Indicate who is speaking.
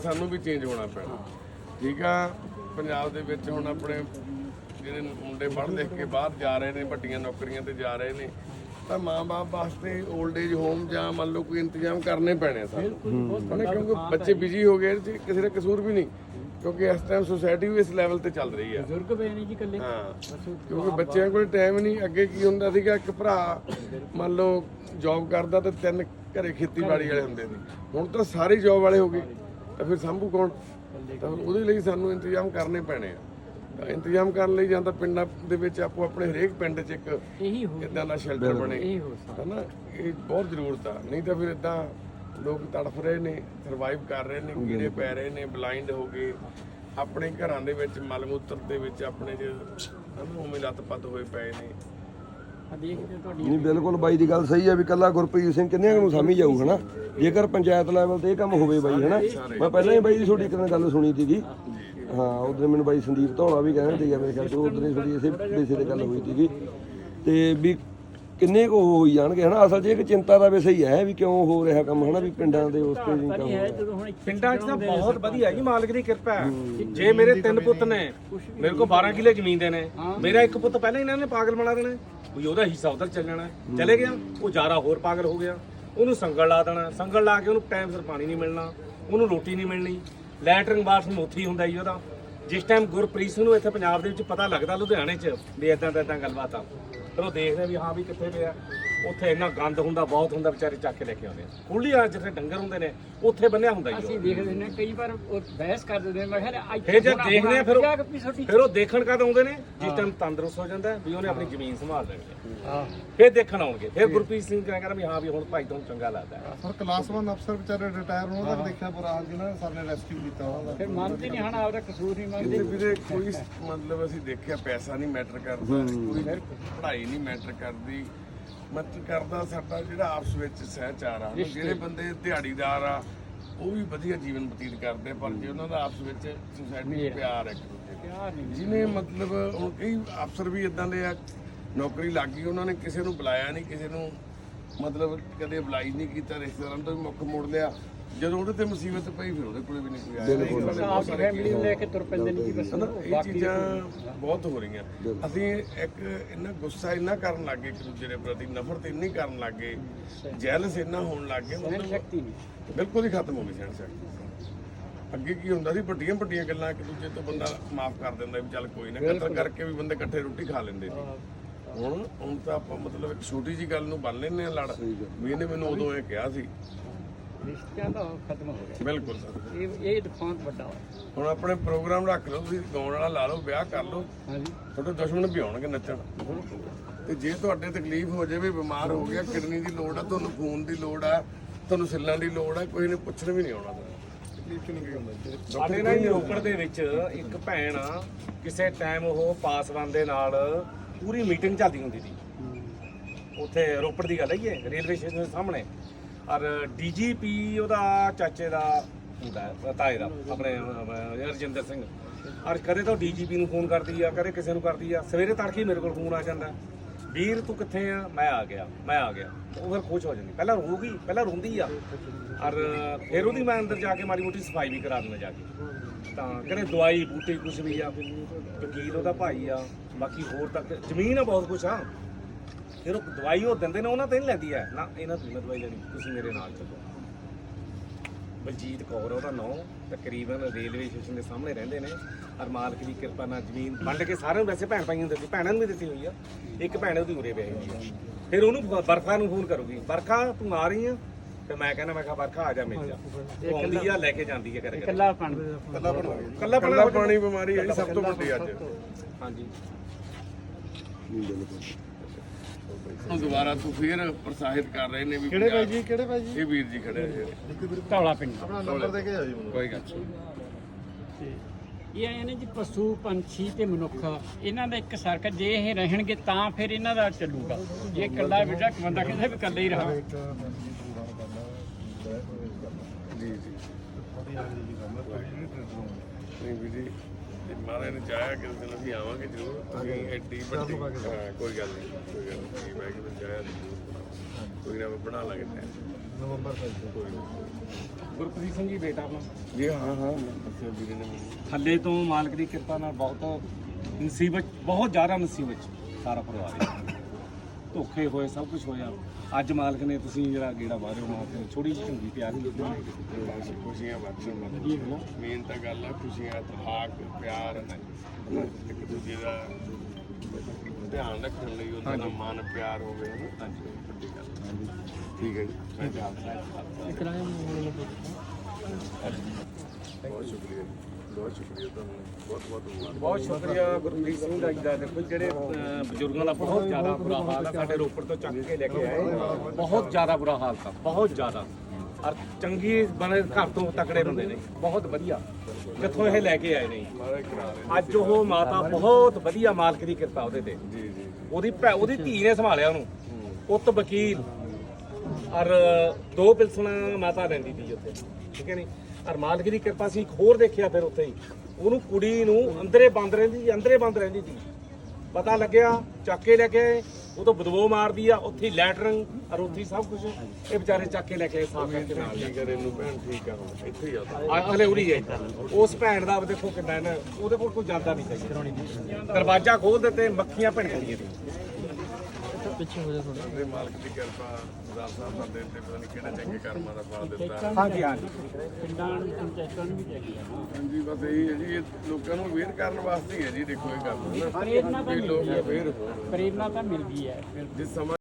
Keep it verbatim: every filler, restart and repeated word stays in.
Speaker 1: ਸਾਨੂੰ ਵੀ ਚੇਂਜ ਹੋਣਾ ਪੈਣਾ। ਠੀਕ ਆ, ਪੰਜਾਬ ਦੇ ਵਿੱਚ ਹੁਣ ਆਪਣੇ ਜਿਹੜੇ ਮੁੰਡੇ ਪੜ੍ਹ ਲਿਖ ਕੇ ਬਾਹਰ ਜਾ ਰਹੇ ਨੇ, ਵੱਡੀਆਂ ਨੌਕਰੀਆਂ ਤੇ ਜਾ ਰਹੇ ਨੇ, ਤਾਂ ਮਾਂ-ਬਾਪ ਵਾਸਤੇ 올ਡ ਏਜ ਹੋਮ ਜਾਂ ਮੰਨ ਲਓ ਕੋਈ ਇੰਤਜ਼ਾਮ ਕਰਨੇ ਪੈਣੇ ਸਾਨੂੰ, ਕਿਉਂਕਿ ਬੱਚੇ ਬਿਜੀ ਹੋ ਗਏ, ਕਿਸੇ ਦਾ ਕਸੂਰ ਵੀ ਨਹੀਂ, ਕਿਉਂਕਿ ਇਸ ਟਾਈਮ ਸੋਸਾਇਟੀ ਵੀ ਇਸ ਲੈਵਲ ਤੇ ਚੱਲ ਰਹੀ ਹੈ।
Speaker 2: ਬਜ਼ੁਰਗ ਪਏ ਨੇ ਜੀ ਇਕੱਲੇ,
Speaker 1: ਹਾਂ, ਕਿਉਂਕਿ ਬੱਚਿਆਂ ਕੋਲ ਟਾਈਮ ਨਹੀਂ। ਅੱਗੇ ਕੀ ਹੁੰਦਾ ਸੀਗਾ, ਇੱਕ ਭਰਾ ਮੰਨ ਲਓ ਜੌਬ ਕਰਦਾ ਤੇ ਤਿੰਨ ਘਰੇ ਖੇਤੀਬਾੜੀ ਵਾਲੇ ਹੁੰਦੇ ਸੀ, ਹੁਣ ਤਾਂ ਸਾਰੇ ਜੌਬ ਵਾਲੇ ਹੋ ਗਏ, ਤਾਂ ਫਿਰ ਸਾਂਭੂ ਕੌਣ? ਤਾਂ ਉਹਦੇ ਲਈ ਸਾਨੂੰ ਇੰਤਜ਼ਾਮ ਕਰਨੇ ਪੈਣੇ ਆ। ਤਾਂ ਇੰਤਜ਼ਾਮ ਕਰਨ ਲਈ ਜਾਂ ਤਾਂ ਪਿੰਡਾਂ ਦੇ ਵਿੱਚ ਆਪੋ ਆਪਣੇ ਹਰੇਕ ਪਿੰਡ 'ਚ ਇੱਕ
Speaker 2: ਇਹੀ ਹੋ
Speaker 1: ਇੱਦਾਂ ਦਾ ਸ਼ੈਲਟਰ ਬਣੇ, ਹੈ ਨਾ, ਇਹ ਬਹੁਤ ਜ਼ਰੂਰਤ ਆ। ਨਹੀਂ ਤਾਂ ਫਿਰ ਇੱਦਾਂ ਲੋਕ ਤੜਫ ਰਹੇ ਨੇ, ਸਰਵਾਈਵ ਕਰ ਰਹੇ ਨੇ, ਕੀੜੇ ਪੈ ਰਹੇ ਨੇ, ਬਲਾਈਂਡ ਹੋ ਗਏ, ਆਪਣੇ ਘਰਾਂ ਦੇ ਵਿੱਚ ਮਲ ਮੂਤਰ ਦੇ ਵਿੱਚ ਆਪਣੇ ਜੇ ਉਵੇਂ ਲੱਤ-ਪੱਤ ਹੋਏ ਪਏ ਨੇ।
Speaker 3: ਨਹੀਂ ਬਿਲਕੁਲ ਬਾਈ ਦੀ ਗੱਲ ਸਹੀ ਹੈ ਵੀ ਕੱਲਾ ਗੁਰਪ੍ਰੀਤ ਸਿੰਘ ਕਿੰਨਿਆਂ ਨੂੰ ਸਾਂਭੀ ਜਾਊ ਹਨਾ, ਜੇਕਰ ਪੰਚਾਇਤ ਲੈਵਲ ਤੇ ਇਹ ਕੰਮ ਹੋਵੇ ਬਾਈ ਹਨਾ। ਮੈਂ ਪਹਿਲਾਂ ਹੀ ਬਾਈ ਦੀ ਤੁਹਾਡੀ ਇੱਕ ਦਿਨ ਗੱਲ ਸੁਣੀ ਸੀਗੀ, ਹਾਂ ਉਦੋਂ ਮੈਨੂੰ ਬਾਈ ਸੰਦੀਪ ਧੌਲਾ ਵੀ ਕਹਿੰਦੇ ਸੀਗਾ ਮੇਰੇ ਖਿਆਲ 'ਚ, ਉਦੋਂ ਹੀ ਥੋੜੀ ਇਸੇ ਵਿਸ਼ੇ ਤੇ ਗੱਲ ਹੋਈ ਸੀਗੀ, ਤੇ ਵੀ ਕਿੰਨੇ ਕੁ ਹੋਈ ਜਾਣਗੇ ਹਨਾ। ਅਸਲ 'ਚ ਇੱਕ ਚਿੰਤਾ ਦਾ ਵਿਸ਼ਾ ਹੀ ਹੈ ਵੀ ਕਿਉਂ ਹੋ ਰਿਹਾ ਕੰਮ ਹਨਾ, ਵੀ ਪਿੰਡਾਂ ਦੇ ਉਸ ਤੇ ਨਹੀਂ ਕੰਮ।
Speaker 4: ਪਿੰਡਾਂ 'ਚ ਤਾਂ ਬਹੁਤ ਵਧੀਆ ਜੀ, ਮਾਲਕ ਦੀ ਕਿਰਪਾ ਹੈ। ਜੇ ਮੇਰੇ ਤਿੰਨ ਪੁੱਤ ਨੇ, ਮੇਰੇ ਕੋਲ ਬਾਰਾਂ ਕਿੱਲੇ ਜ਼ਮੀਨ ਦੇ ਨੇ, ਮੇਰਾ ਇੱਕ ਪੁੱਤ ਪਹਿਲਾਂ ਇਹਨਾਂ ਨੇ ਪਾਗਲ ਬਣਾ ਦੇਣਾ ਵੀ ਉਹਦਾ ਹਿੱਸਾ ਉਧਰ ਚੱਲ ਜਾਣਾ, ਚਲੇ ਗਿਆ ਉਹ ਜਾਰਾ ਹੋਰ ਪਾਗਲ ਹੋ ਗਿਆ, ਉਹਨੂੰ ਸੰਗਲ ਲਾ ਦੇਣਾ, ਸੰਗਲ ਲਾ ਕੇ ਉਹਨੂੰ ਟਾਈਮ ਸਿਰ ਪਾਣੀ ਨਹੀਂ ਮਿਲਣਾ, ਉਹਨੂੰ ਰੋਟੀ ਨਹੀਂ ਮਿਲਣੀ, ਲੈਟਰਿੰਗ ਬਾਥਰੂਮ ਉੱਥੇ ਹੀ ਹੁੰਦਾ ਜੀ ਉਹਦਾ। ਜਿਸ ਟਾਈਮ ਗੁਰਪ੍ਰੀਤ ਸਿੰਘ ਨੂੰ ਇੱਥੇ ਪੰਜਾਬ ਦੇ ਵਿੱਚ ਪਤਾ ਲੱਗਦਾ ਲੁਧਿਆਣੇ 'ਚ ਵੀ ਇੱਦਾਂ ਦਾ ਇੱਦਾਂ ਗੱਲਬਾਤ ਆ, ਫਿਰ ਉਹ ਦੇਖਦੇ ਵੀ ਹਾਂ ਵੀ ਕਿੱਥੇ ਪਿਆ, ਉੱਥੇ ਇੰਨਾ ਗੰਦ ਹੁੰਦਾ, ਬਹੁਤ ਹੁੰਦਾ, ਵਿਚਾਰੇ ਚੱਕ ਕੇ ਲੈ ਕੇ ਆਉਂਦੇ ਆ। ਖੁੱਲੀ ਆ ਜਿੱਥੇ ਡੰਗਰ ਹੁੰਦੇ ਨੇ ਉੱਥੇ ਬੰਨਿਆ ਹੁੰਦਾ ਜੀ।
Speaker 2: ਅਸੀਂ ਦੇਖਦੇ ਨੇ ਕਈ ਵਾਰ ਉਹ ਬਹਿਸ ਕਰ ਦਿੰਦੇ ਨੇ, ਮੈਂ ਕਿਹਾ
Speaker 4: ਫਿਰ ਜਦ ਦੇਖਦੇ ਆ ਫਿਰ ਉਹ ਫਿਰ ਉਹ ਦੇਖਣ ਕਦ ਆਉਂਦੇ ਨੇ ਜਿਸ ਟਾਈਮ ਤੰਦਰੁਸਤ ਹੋ ਜਾਂਦਾ ਵੀ ਉਹਨੇ ਆਪਣੀ ਜ਼ਮੀਨ ਸੰਭਾਲ ਲੈਣੀ ਹੈ, ਫਿਰ ਦੇਖਣ ਆਉਣਗੇ। ਫਿਰ ਗੁਰਪ੍ਰੀਤ ਸਿੰਘ ਕਹਿੰਦਾ ਵੀ ਹਾਂ ਵੀ ਹੁਣ ਭਾਈ ਤੁਹਾਨੂੰ ਚੰਗਾ ਲੱਗਦਾ।
Speaker 5: ਸਰ ਕਲਾਸ ਵਨ ਅਫਸਰ ਵਿਚਾਰੇ ਰਿਟਾਇਰ ਹੋਣ ਦਾ ਦੇਖਿਆ ਬੁਰਾ ਹਾਲ ਜਿਹਨਾਂ ਸਰ ਨੇ ਰੈਸਕਿਊ ਕੀਤਾ ਉਹਨਾਂ ਦਾ,
Speaker 2: ਫਿਰ ਮੰਨਦੇ ਨਹੀਂ ਹਨਾ, ਆਪਦਾ ਕਸੂਰ ਨਹੀਂ ਮੰਨਦੇ
Speaker 1: ਵੀਰੇ। ਕੋਈ ਮਤਲਬ ਅਸੀਂ ਦੇਖਿਆ ਪੈਸਾ ਨਹੀਂ ਮੈਟਰ ਕਰਦਾ, ਕੋਈ ਪੜ੍ਹਾਈ ਨਹੀਂ ਮੈਟਰ ਕਰਦੀ, ਮੈਟਰ ਕਰਦਾ ਸਾਡਾ ਜਿਹੜਾ ਆਪਸ ਵਿੱਚ ਸਹਿਚਾਰ ਆ। ਜਿਹੜੇ ਬੰਦੇ ਦਿਹਾੜੀਦਾਰ ਆ ਉਹ ਵੀ ਵਧੀਆ ਜੀਵਨ ਬਤੀਤ ਕਰਦੇ, ਪਰ ਜੇ ਉਹਨਾਂ ਦਾ ਆਪਸ ਵਿੱਚ ਸੁਸਾਇਟੀ 'ਚ ਪਿਆਰ ਹੈ, ਜਿਹਨੇ ਮਤਲਬ ਹੁਣ ਕਈ ਅਫਸਰ ਵੀ ਇਦਾਂ ਦੇ ਆ, ਨੌਕਰੀ ਲੱਗ ਗਈ ਉਹਨਾਂ ਨੇ ਕਿਸੇ ਨੂੰ ਬੁਲਾਇਆ ਨਹੀਂ, ਕਿਸੇ ਨੂੰ ਮਤਲਬ ਕਦੇ ਅਪਲਾਈ ਨਹੀਂ ਕੀਤਾ, ਰਿਸ਼ਤੇਦਾਰਾਂ ਤੋਂ ਵੀ ਮੁੱਖ ਮੋੜ ਲਿਆ, ਜਦੋਂ ਉਹਦੇ ਤੇ ਮੁਸੀਬਤ ਪਈ ਫਿਰ ਉਹਦੇ ਕੋਲੇ ਵੀ ਨਹੀਂ ਕੋਈ ਆਇਆ।
Speaker 2: ਆਪਣੀ ਫੈਮਿਲੀ ਨੂੰ ਲੈ ਕੇ ਤੁਰ ਪੈਂਦੇ ਨੇ ਜੀ ਬਸ।
Speaker 1: ਇਹ ਚੀਜ਼ਾਂ ਬਹੁਤ ਹੋ ਰਹੀਆਂ। ਅਸੀਂ ਇੱਕ ਇੰਨਾ ਗੁੱਸਾ ਇੰਨਾ ਕਰਨ ਲੱਗੇ ਇੱਕ ਦੂਜੇ ਦੇ ਪ੍ਰਤੀ, ਨਫ਼ਰਤ ਇੰਨੀ ਕਰਨ ਲੱਗੇ, ਜੈਲਸ ਇੰਨਾ ਹੋਣ ਲੱਗ ਗਏ, ਮਤਲਬ
Speaker 2: ਸ਼ਕਤੀ ਨਹੀਂ
Speaker 1: ਬਿਲਕੁਲ ਹੀ ਖਤਮ ਹੋ ਗਈ ਸਹਿਣ ਸ਼ਕਤੀ। ਅੱਗੇ ਕੀ ਹੁੰਦਾ ਸੀ, ਵੱਡੀਆਂ ਵੱਡੀਆਂ ਗੱਲਾਂ ਇੱਕ ਦੂਜੇ ਤੋਂ ਬੰਦਾ ਮਾਫ ਕਰ ਦਿੰਦਾ ਵੀ ਚੱਲ ਕੋਈ ਨਾ, ਕਤਲ ਕਰਕੇ ਵੀ ਬੰਦੇ ਇਕੱਠੇ ਰੋਟੀ ਖਾ ਲੈਂਦੇ ਸੀ। ਹੁਣ ਹੁਣ ਤਾਂ ਆਪਾਂ ਮਤਲਬ ਇੱਕ ਛੋਟੀ ਜੀ ਗੱਲ ਨੂੰ ਬੰਨ ਲੈਂਦੇ ਆ ਲੜ, ਵੀ ਇਹਨੇ ਮੈਨੂੰ ਉਦੋਂ ਇਹ ਕਿਹਾ ਸੀ।
Speaker 2: ਰਿਸ਼ਤਿਆਂ ਦਾ ਖਤਮ ਹੋ ਗਿਆ
Speaker 1: ਬਿਲਕੁਲ ਸਰ,
Speaker 2: ਇਹ ਇਹ ਨੁਕਸਾਨ ਵੱਡਾ ਹੋਇਆ।
Speaker 1: ਹੁਣ ਆਪਣੇ ਪ੍ਰੋਗਰਾਮ ਰੱਖ ਲਓ, ਤੁਸੀਂ ਗਾਉਣ ਵਾਲਾ ਲਾ ਲਓ, ਵਿਆਹ ਕਰ ਲਓ,
Speaker 2: ਹਾਂਜੀ
Speaker 1: ਤੁਹਾਡੇ ਦੁਸ਼ਮਣ ਵੀ ਆਉਣਗੇ ਨੱਚਣ। ਤੇ ਜੇ ਤੁਹਾਡੇ ਤਕਲੀਫ ਹੋ ਜਾਵੇ, ਬਿਮਾਰ ਹੋ ਗਿਆ, ਕਿਡਨੀ ਦੀ ਲੋੜ ਆ, ਤੁਹਾਨੂੰ ਖੂਨ ਦੀ ਲੋੜ ਆ, ਤੁਹਾਨੂੰ ਸਿੱਲਾਂ ਦੀ ਲੋੜ ਆ, ਕੋਈ ਨੇ ਪੁੱਛਣ ਵੀ ਨਹੀਂ ਆਉਣਾ। ਤਕਲੀਫ ਚ ਨਹੀਂ ਕੀ ਹੁੰਦਾ।
Speaker 4: ਸਾਡੇ ਨਾਲ ਰੋਪੜ ਦੇ ਵਿੱਚ ਇੱਕ ਭੈਣ ਆ, ਕਿਸੇ ਟਾਈਮ ਉਹ ਪਾਸਵਾਨ ਦੇ ਨਾਲ ਪੂਰੀ ਮੀਟਿੰਗ ਚੱਲਦੀ ਹੁੰਦੀ ਸੀ ਉੱਥੇ, ਰੋਪੜ ਦੀ ਗੱਲ ਹੈ, ਰੇਲਵੇ ਸਟੇਸ਼ਨ ਦੇ ਸਾਹਮਣੇ। ਔਰ ਡੀਜੀਪੀ ਉਹਦਾ ਚਾਚੇ ਦਾ ਹੁੰਦਾ, ਤਾਏ ਦਾ, ਆਪਣੇ ਰਜਿੰਦਰ ਸਿੰਘ। ਔਰ ਕਦੇ ਤਾਂ ਡੀਜੀਪੀ ਨੂੰ ਫੋਨ ਕਰਦੀ ਆ, ਕਦੇ ਕਿਸੇ ਨੂੰ ਕਰਦੀ ਆ। ਸਵੇਰੇ ਤੜਕੇ ਮੇਰੇ ਕੋਲ ਫੋਨ ਆ ਜਾਂਦਾ, ਵੀਰ ਤੂੰ ਕਿੱਥੇ ਆ? ਮੈਂ ਆ ਗਿਆ, ਮੈਂ ਆ ਗਿਆ। ਉਹ ਫਿਰ ਖੁਸ਼ ਹੋ ਜਾਂਦੀ, ਪਹਿਲਾਂ ਰੋਊਗੀ, ਪਹਿਲਾਂ ਰੋਂਦੀ ਆ, ਔਰ ਫਿਰ ਉਹਦੀ ਮੈਂ ਅੰਦਰ ਜਾ ਕੇ ਮਾੜੀ ਮੋਟੀ ਸਫਾਈ ਵੀ ਕਰਾ ਦਿੰਦਾ ਜਾ ਕੇ। ਤਾਂ ਕਹਿੰਦੇ ਦਵਾਈ ਬੂਟੀ ਕੁਛ ਵੀ ਆ, ਵਕੀਲ ਉਹਦਾ ਭਾਈ ਆ, ਬਾਕੀ ਹੋਰ ਤੱਕ ਜ਼ਮੀਨ ਆ, ਬਹੁਤ ਕੁਛ ਆ। ਫਿਰ ਉਹ ਦਵਾਈ ਉਹ ਦਿੰਦੇ ਨੇ, ਉਹਨਾਂ ਤੇ ਨਹੀਂ ਲੈਂਦੀ ਹੈ ਨਾ, ਇਹਨਾਂ ਤੋਂ ਮੈਂ ਦਵਾਈ ਲੈਣੀ, ਤੁਸੀਂ ਮੇਰੇ ਨਾਲ ਚੱਲੋ। ਬਲਜੀਤ ਕੌਰ ਉਹਦਾ ਨਾਂ, ਤਕਰੀਬਨ ਰੇਲਵੇ ਸਟੇਸ਼ਨ ਦੇ ਸਾਹਮਣੇ ਰਹਿੰਦੇ ਨੇ, ਔਰ ਮਾਲਕ ਦੀ ਕਿਰਪਾ ਨਾਲ ਜ਼ਮੀਨ ਵੰਡ ਕੇ ਸਾਰਿਆਂ ਨੂੰ, ਵੈਸੇ ਭੈਣ ਭਾਈਆਂ ਨੂੰ ਦਿੱਤੀ, ਭੈਣਾਂ ਨੂੰ ਵੀ ਦਿੱਤੀ ਹੋਈ ਆ। ਇੱਕ ਭੈਣ ਉਹਦੀ ਉਰੇ ਪਈ ਹੋਈ ਆ। ਫਿਰ ਉਹਨੂੰ ਬਰਖਾ ਨੂੰ ਫੋਨ ਕਰੂਗੀ, ਬਰਖਾ ਤੂੰ ਆ ਰਹੀ ਆ? ਤੇ ਮੈਂ ਕਹਿੰਦਾ, ਮੈਂ ਕਿਹਾ ਬਰਖਾ ਆ ਜਾ ਮਿਲ ਜਾ। ਉਹ ਆਉਂਦੀ ਆ, ਲੈ ਕੇ ਜਾਂਦੀ ਹੈ, ਕਰਕੇ
Speaker 2: ਇਕੱਲਾ ਪਾਣੀ
Speaker 1: ਕੱਲਾ ਕੱਲਾ ਕੱਲਾ ਪਾਣੀ ਬਿਮਾਰੀ ਹੈ ਸਭ ਤੋਂ ਵੱਡੀ ਅੱਜ। ਹਾਂਜੀ, ਹੁਣ ਦੁਬਾਰਾ ਤੂੰ ਫੇਰ ਪ੍ਰਸਾਹਿਤ ਕਰ ਰਹੇ ਨੇ ਵੀ
Speaker 5: ਕਿਹੜੇ ਭਾਈ ਜੀ, ਕਿਹੜੇ ਭਾਈ ਜੀ?
Speaker 1: ਇਹ ਵੀਰ ਜੀ ਖੜੇ ਆ
Speaker 2: ਧੌਲਾ ਪਿੰਡ।
Speaker 5: ਆਪਣਾ ਨੰਬਰ ਦੇ ਕੇ ਜਾਓ ਜੀ ਮੈਨੂੰ।
Speaker 1: ਕੋਈ ਗੱਲ
Speaker 2: ਇਹ ਆਏ ਨੇ ਜੀ ਪਸ਼ੂ ਪੰਛੀ ਤੇ ਮਨੁੱਖ, ਇਹਨਾਂ ਦਾ ਇੱਕ ਸਰਕਲ। ਜੇ ਇਹ ਰਹਿਣਗੇ ਤਾਂ ਫਿਰ ਇਹਨਾਂ ਦਾ ਚੱਲੂਗਾ। ਜੇ ਇਕੱਲਾ ਬੇਟਾ ਬੰਦਾ ਕਹਿੰਦਾ ਵੀ ਇਕੱਲਾ ਹੀ ਰਹਾ।
Speaker 1: ਜੀ ਜੀ ਨਹੀਂ ਵੀਰ ਜੀ, ਮਹਾਰਾਜ ਨੇ ਚਾਹਿਆ ਕਿ ਦਿਨ ਅਸੀਂ ਆਵਾਂਗੇ ਜ਼ਰੂਰ। ਅਸੀਂ ਐਡੀ ਵੱਡੀ, ਹਾਂ ਕੋਈ ਗੱਲ ਨਹੀਂ, ਕੋਈ ਗੱਲ ਨਹੀਂ, ਮੈਂ ਕਿ ਚਾਹਿਆ ਕੋਈ ਨਾ ਬਣਾ ਲਾਂਗੇ।
Speaker 5: ਨਵੰਬਰ ਤੱਕ
Speaker 4: ਗੁਰਪ੍ਰੀਤ ਸਿੰਘ ਜੀ ਬੇਟਾ ਆਪਣਾ
Speaker 1: ਜੀ ਹਾਂ ਹਾਂ ਦੱਸਿਆ ਵੀਰੇ ਨੇ ਮੈਨੂੰ।
Speaker 4: ਥੱਲੇ ਤੋਂ ਮਾਲਕ ਦੀ ਕਿਰਪਾ ਨਾਲ ਬਹੁਤ ਮੁਸੀਬਤ, ਬਹੁਤ ਜ਼ਿਆਦਾ ਮੁਸੀਬਤ 'ਚ ਸਾਰਾ ਪਰਿਵਾਰ ਹੈ। ਧੋਖੇ ਹੋਏ, ਸਭ ਕੁਝ ਹੋਇਆ। ਅੱਜ ਮਾਲਕ ਨੇ ਤੁਸੀਂ ਜਿਹੜਾ ਗੇੜਾ ਬਾਹਰੋਂ ਮਾਰ ਕੇ ਛੋਟੀ ਜਿਹੀ ਝੁੰਗੀ ਪਿਆਰ ਕੀਤੀ।
Speaker 1: ਖੁਸ਼ੀਆਂ ਬਖਸ਼ਣ ਵਾਲੀ ਮੇਨ ਤਾਂ ਗੱਲ ਆ ਖੁਸ਼ੀਆਂ, ਇਤਫਾਕ, ਪਿਆਰ, ਇੱਕ ਦੂਜੇ ਦਾ ਧਿਆਨ ਰੱਖਣ ਲਈ ਉਹਦਾ ਨਾਲ ਮਨ ਪਿਆਰ ਹੋਵੇ ਹੈ ਨਾ। ਹਾਂਜੀ ਵੱਡੀ ਗੱਲ। ਠੀਕ ਹੈ ਜੀ ਮੈਂ ਜਾਣਦਾ। ਬਹੁਤ ਸ਼ੁਕਰੀਆ ਜੀ, ਬਹੁਤ ਸ਼ੁਕਰੀਆ ਤੁਹਾਨੂੰ, ਬਹੁਤ ਬਹੁਤ ਧੰਨਵਾਦ।
Speaker 4: ਬਹੁਤ ਸ਼ੁਕਰੀਆ ਗੁਰਪ੍ਰੀਤ ਸਿੰਘ ਦਾ ਜੀ ਦਾ। ਦੇਖੋ ਜਿਹੜੇ ਅਹ, ਬਜ਼ੁਰਗਾਂ ਦਾ ਬਹੁਤ ਜ਼ਿਆਦਾ ਬੁਰਾ ਹਾਲ ਹੈ, ਸਾਡੇ ਰੋਪੜ ਤੋਂ ਚੱਕ ਕੇ ਲੈ ਕੇ ਆਏ, ਬਹੁਤ ਜ਼ਿਆਦਾ ਬੁਰਾ ਹਾਲ ਤਾਂ, ਬਹੁਤ ਜ਼ਿਆਦਾ। ਔਰ ਚੰਗੀ ਬਣੇ ਘਰ ਤੋਂ ਤਕੜੇ ਬੰਦੇ ਨੇ, ਬਹੁਤ ਵਧੀਆ ਜਿੱਥੋਂ ਇਹ ਲੈ ਕੇ ਆਏ ਨੇ।
Speaker 1: ਮਾਰੇ ਕਰਾ ਰਹੇ
Speaker 4: ਅੱਜ ਉਹ ਮਾਤਾ ਬਹੁਤ ਵਧੀਆ, ਮਾਲਕ ਦੀ ਕਿਰਪਾ ਉਹਦੇ ਤੇ।
Speaker 1: ਜੀ ਜੀ
Speaker 4: ਉਹਦੀ ਭੈ ਉਹਦੀ ਧੀ ਨੇ ਸੰਭਾਲਿਆ ਉਹਨੂੰ, ਪੁੱਤ ਵਕੀਲ, ਔਰ ਦੋ ਪਿਲਸਣਾ ਮਾਤਾ ਰਹਿੰਦੀ ਸੀ ਉੱਥੇ, ਠੀਕ ਹੈ ਨਹੀਂ। ਔਰ ਮਾਲਕ ਦੀ ਕਿਰਪਾ ਸੀ, ਇੱਕ ਹੋਰ ਦੇਖਿਆ ਫਿਰ ਉੱਥੇ ਹੀ, ਉਹਨੂੰ ਕੁੜੀ ਨੂੰ ਅੰਦਰੇ ਬੰਦ ਰਹਿੰਦੀ ਸੀ, ਅੰਦਰੇ ਬੰਦ ਰਹਿੰਦੀ ਸੀ। ਪਤਾ ਲੱਗਿਆ, ਚੱਕ ਕੇ ਲੈ ਕੇ ਆਏ, ਉਹ ਤੋਂ ਬਦਬੂ ਮਾਰਦੀ ਆ, ਉੱਥੇ ਲੈਟਰਿੰਗ ਔਰ ਉੱਥੇ ਸਭ ਕੁਝ। ਇਹ ਵਿਚਾਰੇ ਚੱਕ ਕੇ ਲੈ ਕੇ ਸਾਫ ਕਰਕੇ ਨਾਲ
Speaker 1: ਕੀ ਕਰੇ ਨੂੰ ਭੈਣ ਠੀਕ ਆ ਹੁਣ ਇੱਥੇ ਹੀ ਆ ਤਾਂ।
Speaker 4: ਆ- ਅਗਲੇ ਉਰੀ ਹੈ। ਉਸ ਭੈਣ ਦਾ ਦੇਖੋ ਕਿੰਨਾ ਇਹਨਾਂ, ਉਹਦੇ ਕੋਲ ਕੋਈ ਜਾਂਦਾ ਨਹੀਂ ਸਹੀ। ਦਰਵਾਜ਼ਾ ਖੋਲ ਦਿੱਤੇ, ਮੱਖੀਆਂ ਭਿਣਕਦੀਆਂ ਸੀ।
Speaker 1: ਦੇ ਮਾਲਕ ਦੀ ਕਿਰਪਾ ਗੁਰਦਾਸ ਸਾਹਿਬ ਦਾ ਦਿਨ ਤੇ ਪਤਾ ਨਹੀਂ ਕਿਹੜੇ ਚੰਗੇ ਕਰਮਾਂ ਦਾ ਫਲ ਦਿੱਤਾ।
Speaker 4: ਹਾਂਜੀ ਹਾਂਜੀ
Speaker 2: ਪਿੰਡਾਂ ਨੂੰ ਪੰਚਾਇਤਾਂ ਨੂੰ ਵੀ ਚਾਹੀਦੀ ਆ ਨਾ।
Speaker 1: ਹਾਂਜੀ ਬਸ ਇਹੀ ਹੈ ਜੀ, ਇਹ ਲੋਕਾਂ ਨੂੰ ਅਵੇਅਰ ਕਰਨ ਵਾਸਤੇ ਹੀ ਹੈ ਜੀ। ਦੇਖੋ ਇਹ ਗੱਲ
Speaker 2: ਪ੍ਰੇਰਨਾ ਤਾਂ
Speaker 1: ਵੀ ਲੋਕ ਅਵੇਅਰ ਹੋਣ।
Speaker 2: ਪ੍ਰੇਰਨਾ ਤਾਂ ਮਿਲਦੀ ਹੈ।
Speaker 1: ਜਿਸ ਸਮਾਂ